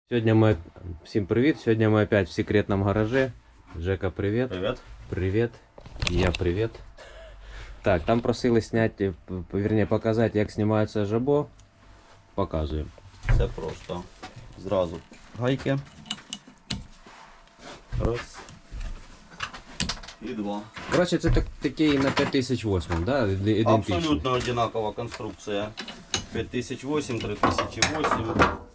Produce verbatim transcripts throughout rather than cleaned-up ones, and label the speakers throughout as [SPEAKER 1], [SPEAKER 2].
[SPEAKER 1] Сьогодні ми... Всім привіт! Сьогодні ми опять в секретному гаражі. Жека, привіт.
[SPEAKER 2] Привіт.
[SPEAKER 1] Привіт. І я привіт. Так, там просили зняти, вірні, показати, як знімається жабо. Показуємо.
[SPEAKER 2] Все просто. Зразу гайки. Раз. І два.
[SPEAKER 1] Коротше, це так, такий на п'ять тисяч вісім, да? Ідентичний.
[SPEAKER 2] Абсолютно одинакова конструкція. п'ять тисяч вісім, три тисячі вісім.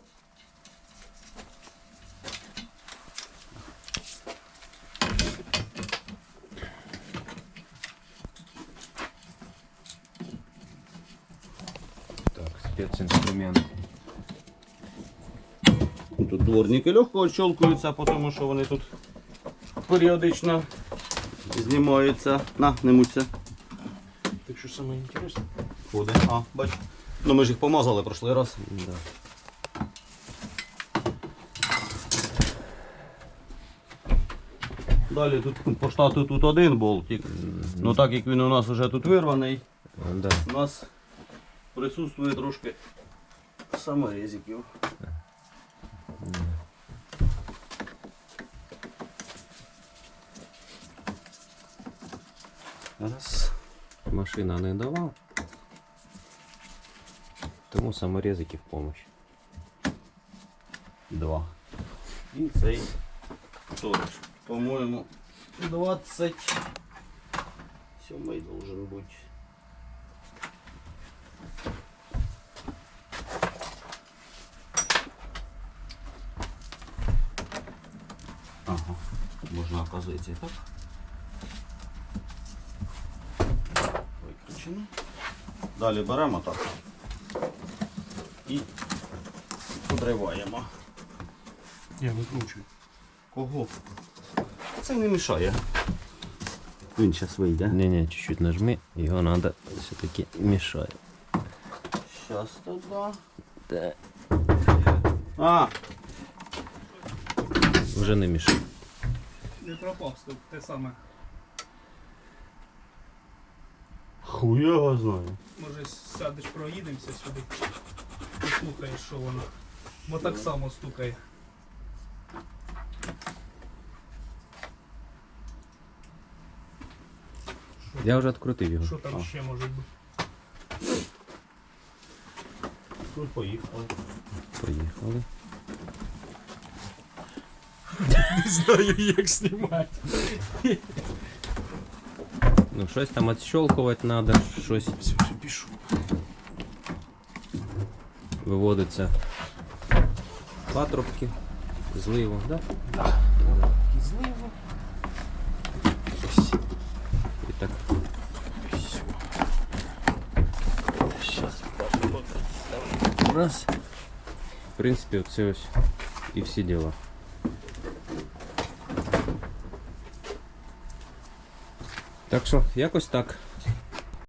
[SPEAKER 1] Так, спецінструмент.
[SPEAKER 2] Тут дворники легко щелкаються, тому що вони тут періодично знімаються. На, не муться.
[SPEAKER 3] Так що саме інтересне?
[SPEAKER 2] Ходить. А, бач. Ну ми ж їх помазали прошлий раз.
[SPEAKER 1] Да.
[SPEAKER 2] Далі тут по штату тут один болтик. Ну так як він у нас вже тут вирваний,
[SPEAKER 1] Да.
[SPEAKER 2] у нас присутствує трошки саморезиків. Раз.
[SPEAKER 1] Машина не дала. Тому саморезики в помощь.
[SPEAKER 2] Два. І цей торс. По-моєму, двадцять сьомий должен бути. Ага, можна, оказується, і так. Виключено. Далі беремо так і подриваємо.
[SPEAKER 3] Я викручую.
[SPEAKER 2] Кого? Це не мішає. Він зараз вийде.
[SPEAKER 1] Не-не, чуть-чуть нажми, його треба все-таки мішає.
[SPEAKER 2] Зараз туди.
[SPEAKER 1] Так.
[SPEAKER 2] А!
[SPEAKER 1] Вже не мішає.
[SPEAKER 3] Не пропав, стоп, те саме.
[SPEAKER 2] Хуя його знаю.
[SPEAKER 3] Може сядеш, проїдемося сюди. Послухаєш, що воно. Бо так само стукає.
[SPEAKER 1] Я вже відкрутив його.
[SPEAKER 3] Що там
[SPEAKER 2] А.
[SPEAKER 3] ще може бути?
[SPEAKER 2] Ну, поїхали.
[SPEAKER 1] Приїхали.
[SPEAKER 3] Не знаю, як знімати.
[SPEAKER 1] Ну, щось там відщелкувати треба, щось
[SPEAKER 3] Все, вже пішов.
[SPEAKER 1] виводиться. Патрубки, зливо, да?
[SPEAKER 3] І зливо.
[SPEAKER 1] І так. Раз. В принципі, оце ось і всі діла. Так що, якось так.